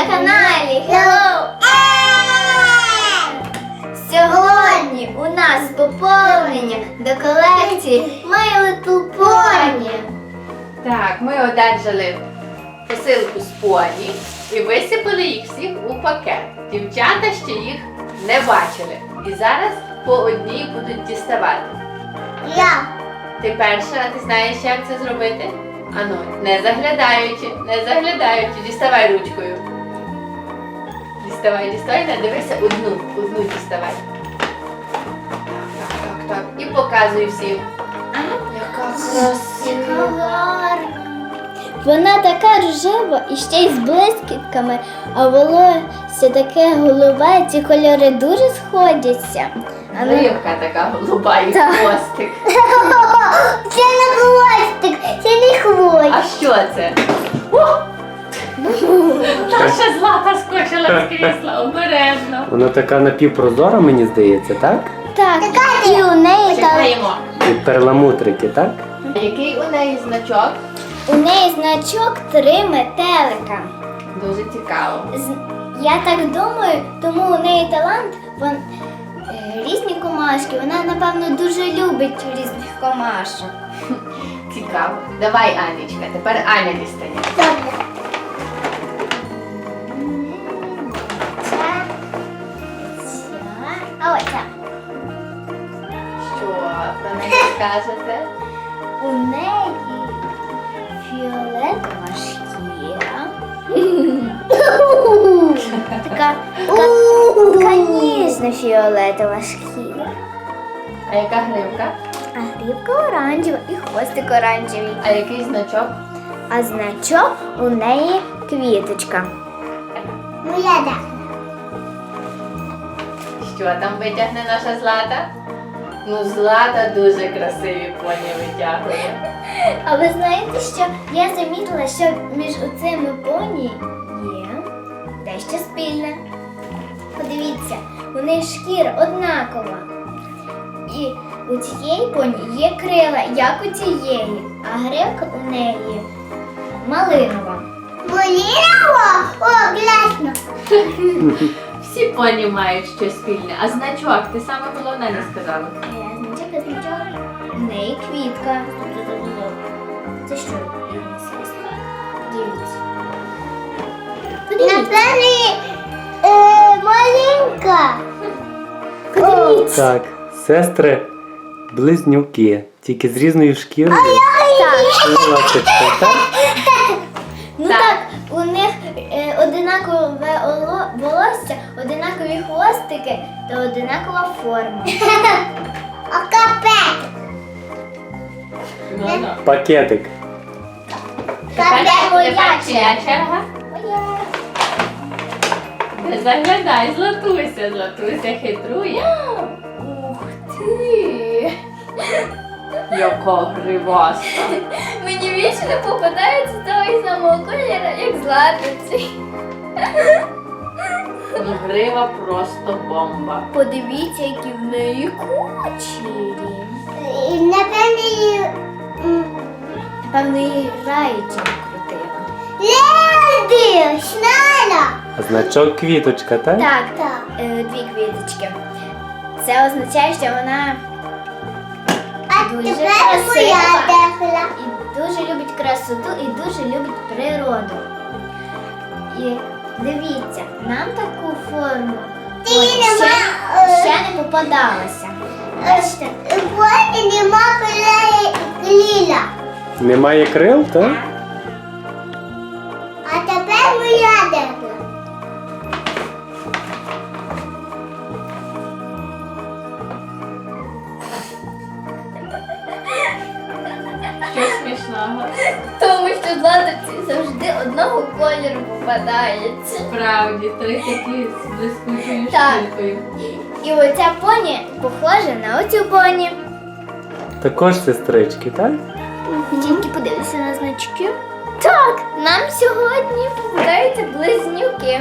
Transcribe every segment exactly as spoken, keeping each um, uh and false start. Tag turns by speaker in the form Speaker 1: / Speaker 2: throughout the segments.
Speaker 1: каналі Hello! Сьогодні у нас поповнення до колекції My Little Pony.
Speaker 2: Так, ми одержали посилку з поні і висипали їх всіх у пакет. Дівчата ще їх не бачили. І зараз по одній будуть діставати.
Speaker 1: Я.
Speaker 2: Ти перша, ти знаєш, як це зробити? Ану, не заглядаючи, не заглядаючи, діставай ручкою. Діставай, діставай, не дивися одну, одну діставай. Так, так, так, так. І показуй всім. Яка красива.
Speaker 1: Вона така рожева і ще й з блискітками, а волосся таке голубе, ці кольори дуже сходяться. А ну-
Speaker 2: Гривка така голуба і
Speaker 1: Так.
Speaker 2: хвостик.
Speaker 1: Це не хвостик, це не хвостик.
Speaker 2: А що це? О! Наша Злата скочила з крісла, обережно.
Speaker 3: Вона така напівпрозора, мені здається, так?
Speaker 1: Так, і у неї там,
Speaker 2: Чекаємо.
Speaker 3: І перламутрики, так?
Speaker 2: Який у неї значок?
Speaker 1: у неї значок три метелика.
Speaker 2: Дуже цікаво.
Speaker 1: З- Я так думаю, тому у неї талант, вон, е, різні комашки. Вона, напевно, дуже любить різних комашок.
Speaker 2: Цікаво. Давай, Анічка, тепер Аня дістає.
Speaker 1: Добре. А оця.
Speaker 2: Що про неї скажете?
Speaker 1: У неї фіолетова шкіра. Така, така, така ніжна фіолетова шкіра.
Speaker 2: А яка гривка?
Speaker 1: А грібка оранжева і хвостик оранжевий.
Speaker 2: А який значок?
Speaker 1: А значок у неї квіточка. Ну я так.
Speaker 2: Що там витягне наша Злата? Ну, Злата дуже красиві поні витягує.
Speaker 1: А ви знаєте, що я замітила, що між оцими поні є дещо спільне. Подивіться, у них шкіра однакова. І у цієї поні є крила, як у цієї, а гривка у неї малинова. Малинова? О, класно!
Speaker 2: Всі поні мають щось спільне. А значок, ти саме головне не сказала.
Speaker 1: Значок, а значок. У неї квітка. Це що? Дивіться. Напевне, маленька. Подивіться.
Speaker 3: Так, сестри близнюки, тільки з різною шкірою.
Speaker 1: Так.
Speaker 3: І ласточкою, так?
Speaker 1: Ну
Speaker 2: Так.
Speaker 1: так, у них е, одинакове оло- волосся, одинакові хвостики та одинакова форма. А капець.
Speaker 2: Ну, ну.
Speaker 3: Пакетик.
Speaker 2: Тепер,
Speaker 1: Капець моя
Speaker 2: тепер чия
Speaker 1: черга.
Speaker 2: черга? Не заглядай, Златуся, Златуся хитрує.
Speaker 1: Ух ти!
Speaker 2: Яка гриваста.
Speaker 1: Мені більше не попадається того самого кольору, як златиці.
Speaker 2: Ну, грива просто бомба.
Speaker 1: Подивіться, які в неї кучері. Напевно, її... Напевно, її раєчі крутила. Леди! Шнала!
Speaker 3: А значок квіточка, так?
Speaker 1: Так, так. Е, дві квіточки. Це означає, що вона дуже красива і дуже любить красоту і дуже любить природу. І дивіться, нам таку форму ой, ще, ще не попадалася. Бачите? Ось нема крила.
Speaker 3: Немає крил, так?
Speaker 1: А тепер моя деревна.
Speaker 2: Що смішного?
Speaker 1: Тому що златиці завжди одного кольору попадається.
Speaker 2: Справді, три такі з блискучою
Speaker 1: Так.
Speaker 2: шкіркою.
Speaker 1: І оця поні похожа на оцю поні.
Speaker 3: Також сестрички, так?
Speaker 1: Тільки подивися на значки. Так, нам сьогодні попадаються близнюки.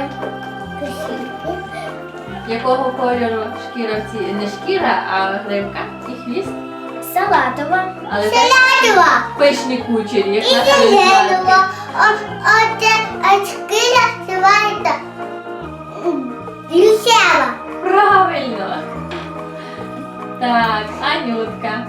Speaker 2: Якого кольору шкіра в цій? Не шкіра, а гривка і хвіст?
Speaker 1: салатова,
Speaker 2: Але так
Speaker 1: салатова
Speaker 2: пишні кучері, як
Speaker 1: і
Speaker 2: наша
Speaker 1: зеленова. Оце шкіра називається лісева.
Speaker 2: Правильно. Так, Анютка.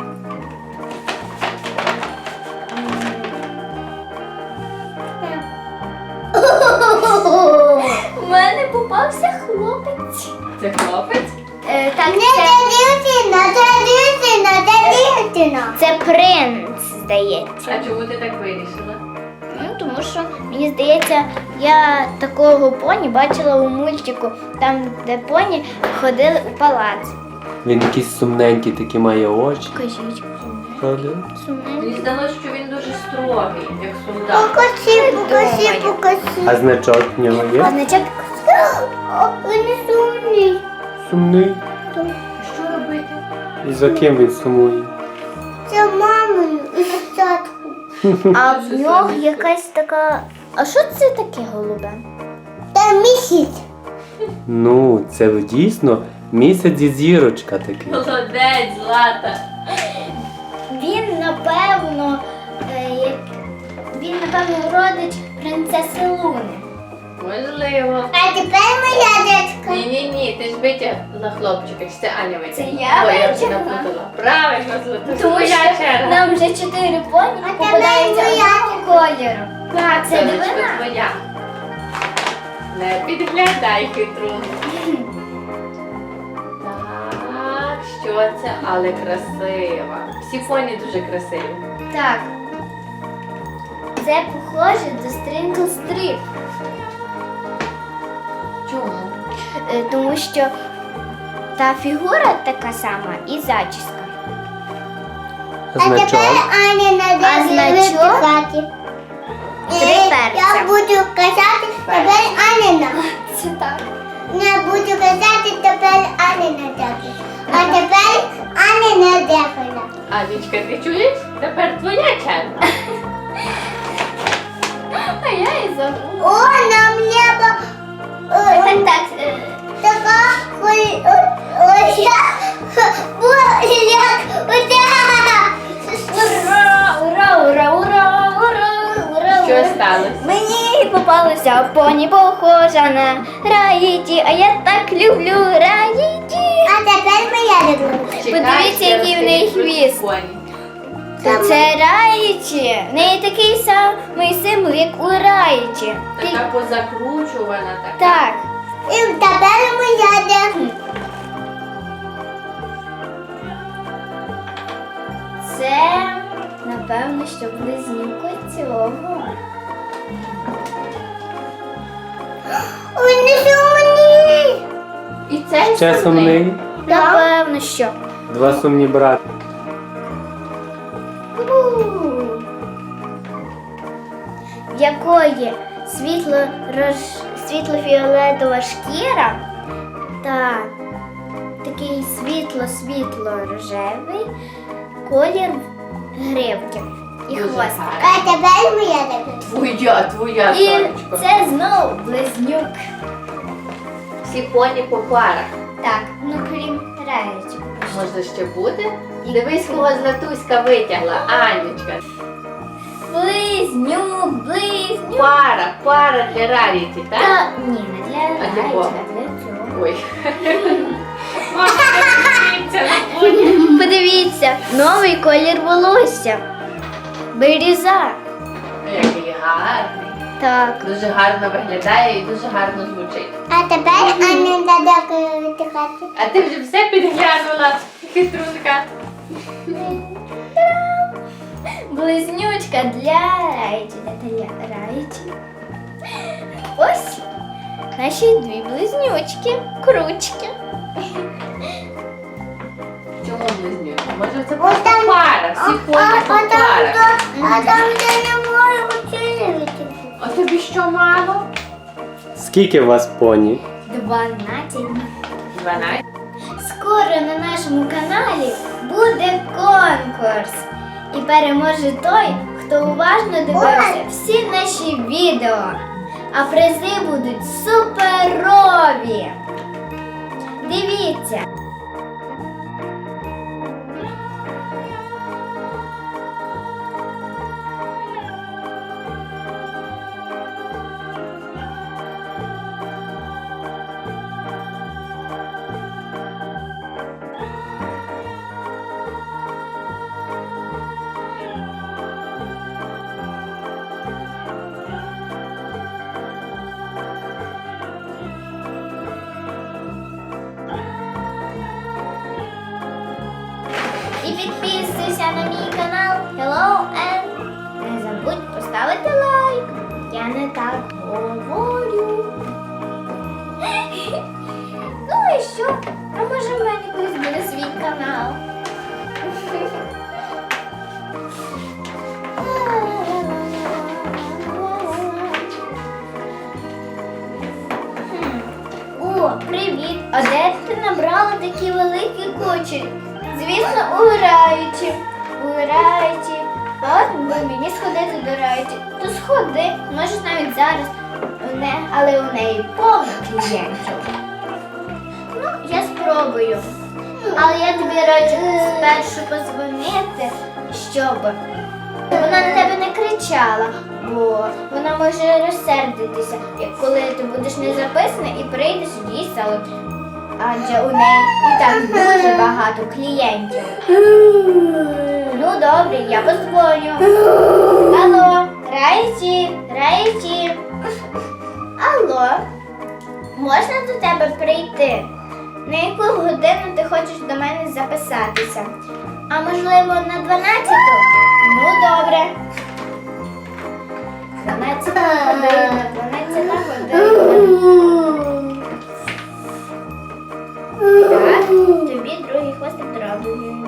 Speaker 1: У мене попався хлопець.
Speaker 2: Це хлопець?
Speaker 1: Е, так, не це... дівчина, це дівчина, це дівчина. Це принц, здається.
Speaker 2: А чому ти так вирішила?
Speaker 1: Ну, тому що, мені здається, я такого поні бачила у мультику, там, де поні ходили у палац.
Speaker 3: Він якийсь сумненький, такі має очі.
Speaker 1: Кажіть,
Speaker 3: Правда?
Speaker 1: сумненький.
Speaker 2: Мені здалося, що він дуже строгий, як солдат.
Speaker 1: Покажи, покажи, покажи.
Speaker 3: А значок в нього
Speaker 1: А
Speaker 3: є?
Speaker 1: значок? Він не сумний.
Speaker 3: Сумний.
Speaker 2: Що робити?
Speaker 3: І за ким він сумує?
Speaker 1: Це мамою і татку. А в нього якась така... А що це таке голубе? Це місяць.
Speaker 3: Ну, це дійсно місяць і зірочка такий.
Speaker 2: Молодець, Злата.
Speaker 1: Він, напевно, е, як... він, напевно, родич принцеси Луни.
Speaker 2: Можливо.
Speaker 1: А тепер моя дочка.
Speaker 2: Ні-ні-ні, ти ж витягла хлопчика, чи це Аня витягла?
Speaker 1: Це я
Speaker 2: Ой, я вже
Speaker 1: витягла?
Speaker 2: напутала. Правильно, Злата, це
Speaker 1: Тому
Speaker 2: твоя
Speaker 1: що
Speaker 2: черга.
Speaker 1: нам вже чотири поні попадаються одного кольору.
Speaker 2: Так,
Speaker 1: Це
Speaker 2: сонечко,
Speaker 1: дивина?
Speaker 2: твоя. Не підглядай хитру. Так, що це? Але красива. Всі поні дуже красиві.
Speaker 1: Так. Це похоже до Sprinkle Strip,
Speaker 2: Чому?
Speaker 1: е, тому що та фігура така сама і зачіска.
Speaker 3: А значок?
Speaker 1: Аня надо а значок три перця. Я буду казати тепер Анина. Це так. Я буду казати тепер Анина дякую. А тепер Анина дякую.
Speaker 2: Анічка, ти чуєш? Тепер твоя черга.
Speaker 1: А я і забула. О, нам небо. Так, так. Така ой, ой, я Ура, ура, ура, ура, ура, ура.
Speaker 2: Що сталося?
Speaker 1: Мені попалася поні похожа на Раїті, а я так люблю Раїті. А тепер моя люблю. Подивіться, який в неї хвіст.
Speaker 2: Поні.
Speaker 1: Це Раїті. В неї такий самий символ, як у Раїті.
Speaker 2: Така позакручувана така.
Speaker 1: Так. І тепер моя де. Це, напевно, що близнюка цього. Ой, не сумні.
Speaker 2: І цей
Speaker 3: Ще сумний.
Speaker 1: Напевно, що.
Speaker 3: Два сумні брати.
Speaker 1: В якої світло роз... світло-фіолетова шкіра та такий світло-світло-рожевий колір гривки і
Speaker 2: Дуже
Speaker 1: хвост.
Speaker 2: гарно.
Speaker 1: А тепер моя така.
Speaker 2: Твоя, твоя,
Speaker 1: І
Speaker 2: сонечко.
Speaker 1: це знову близнюк.
Speaker 2: Всі поні по парах.
Speaker 1: Так, ну крім Раєчок.
Speaker 2: Може ще буде? Дивись, кого Златуська витягла. Анечка.
Speaker 1: Близнюк, близнюк.
Speaker 2: Пара, пара для Раріті, так?
Speaker 1: Та, ні, не для
Speaker 2: А для
Speaker 1: Раєчка,
Speaker 2: кого?
Speaker 1: для цього.
Speaker 2: Ой. Мама, подивіться на поні.
Speaker 1: Подивіться, новий колір волосся. Биріза.
Speaker 2: Який гарний.
Speaker 1: Так.
Speaker 2: Дуже гарно виглядає і дуже гарно звучить.
Speaker 1: А тепер Аня дадакає витихати.
Speaker 2: А ти вже все підглянула, хитрунка.
Speaker 1: Близнючка для Райчі. Для Райчі. Ось наші дві близнючки. Кручки.
Speaker 2: Чому близнюки? Може це просто пара, всі поні по парах.
Speaker 1: А там де не можу вчити.
Speaker 2: А тобі що мало?
Speaker 3: Скільки у вас поні?
Speaker 1: Дванадцять.
Speaker 2: Дванадцять.
Speaker 1: Скоро на нашому каналі буде конкурс. І переможе той, хто уважно дивився всі наші відео. А призи будуть суперові. Дивіться. І підписуйся на мій канал Hello and не забудь поставити лайк. Я не так говорю. Ну і що? А може в мене колись буде свій канал? О, привіт! А де ти набрала такі великі кучері? Звісно, у Раїчі. У Раїчі. А от би мені сходити до Раїчі. То сходи, можеш навіть зараз. Не, але у неї повно клієнтів. Ну, я спробую. Але я тобі раджу спершу позвонити, щоб вона на тебе не кричала, бо вона може розсердитися, як коли ти будеш не записаний і прийдеш в її салон. Адже у неї і так дуже багато клієнтів. Ну добре, я позвоню. Алло, Райчі, Райчі. Алло, можна до тебе прийти? На яку годину ти хочеш до мене записатися? А можливо на дванадцяту? Ну добре. дванадцята година, дванадцята година. Так, тобі другий хвостик зроблено.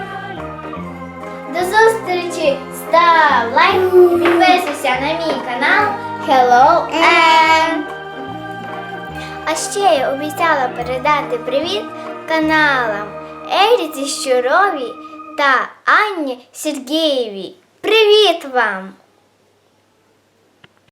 Speaker 1: До зустрічі! Став лайк і підписуйся на мій канал Hello and... А ще я обіцяла передати привіт каналам Еріці Щуровій та Анні Сергієвій. Привіт вам!